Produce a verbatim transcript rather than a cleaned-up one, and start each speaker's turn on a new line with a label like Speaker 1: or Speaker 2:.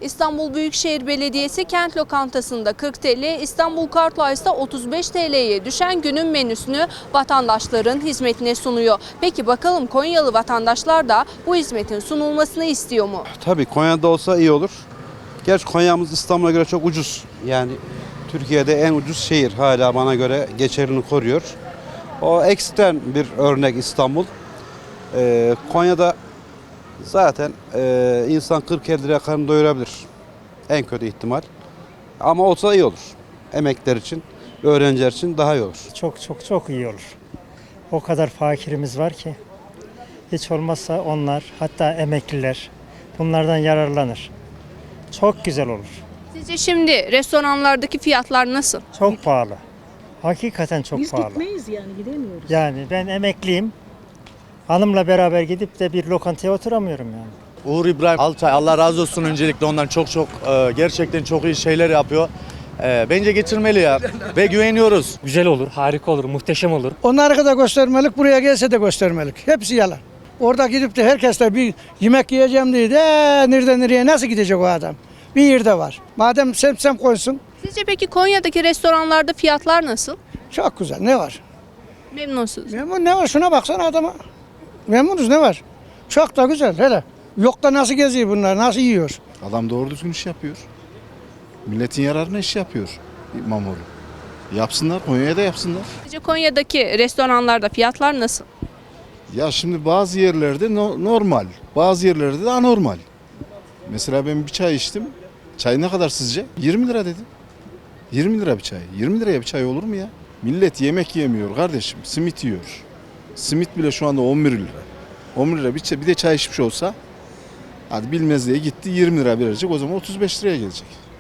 Speaker 1: İstanbul Büyükşehir Belediyesi kent lokantasında kırk TL, İstanbul Kartlice'da otuz beş TL'ye düşen günün menüsünü vatandaşların hizmetine sunuyor. Peki bakalım Konyalı vatandaşlar da bu hizmetin sunulmasını istiyor mu?
Speaker 2: Tabii Konya'da olsa iyi olur. Gerçi Konya'mız İstanbul'a göre çok ucuz. Yani Türkiye'de en ucuz şehir hala bana göre geçerini koruyor. O ekstrem bir örnek İstanbul. Ee, Konya'da zaten e, insan kırk elli liraya karnını doyurabilir. En kötü ihtimal. Ama olsa iyi olur. Emekler için, öğrenciler için daha iyi olur.
Speaker 3: Çok çok çok iyi olur. O kadar fakirimiz var ki. Hiç olmazsa onlar, hatta emekliler bunlardan yararlanır. Çok güzel olur.
Speaker 1: Sizce şimdi restoranlardaki fiyatlar nasıl?
Speaker 3: Çok pahalı. Hakikaten çok
Speaker 4: Biz
Speaker 3: pahalı.
Speaker 4: gitmeyiz yani gidemiyoruz.
Speaker 3: Yani ben emekliyim. Hanımla beraber gidip de bir lokantaya oturamıyorum yani.
Speaker 5: Uğur İbrahim Altay, Allah razı olsun, öncelikle ondan çok çok e, gerçekten çok iyi şeyler yapıyor. E, bence getirmeli ya ve güveniyoruz.
Speaker 6: Güzel olur, harika olur, muhteşem olur.
Speaker 7: Onları da göstermelik, buraya gelse de göstermelik. Hepsi yalan. Orada gidip de herkes de bir yemek yiyeceğim diye de "Ee, nereden nereye nasıl gidecek o adam? Bir yerde var. Madem semsem koysun,
Speaker 1: Sizce peki Konya'daki restoranlarda fiyatlar nasıl?
Speaker 7: çok güzel. Ne var?
Speaker 1: Memnunsunuz.
Speaker 7: Memnun ne var? Şuna baksana adama. Memnunuz ne var? Çok da güzel hele. Yok da nasıl geziyor bunlar, nasıl yiyor?
Speaker 8: Adam doğru düzgün iş yapıyor. Milletin yararına iş yapıyor İmamoğlu. Yapsınlar, Konya'ya da yapsınlar.
Speaker 1: Sizce Konya'daki restoranlarda fiyatlar nasıl?
Speaker 8: Ya şimdi bazı yerlerde no- normal, bazı yerlerde de anormal. Mesela ben bir çay içtim. Çay ne kadar sizce? yirmi lira dedim. yirmi lira bir çay. yirmi liraya bir çay olur mu ya? Millet yemek yemiyor kardeşim, simit yiyor. Simit bile şu anda on bir lira. on bir lira bir, çay, bir de çay içmiş olsa, hadi bilmez diye gitti yirmi lira verecek, o zaman otuz beş liraya gelecek.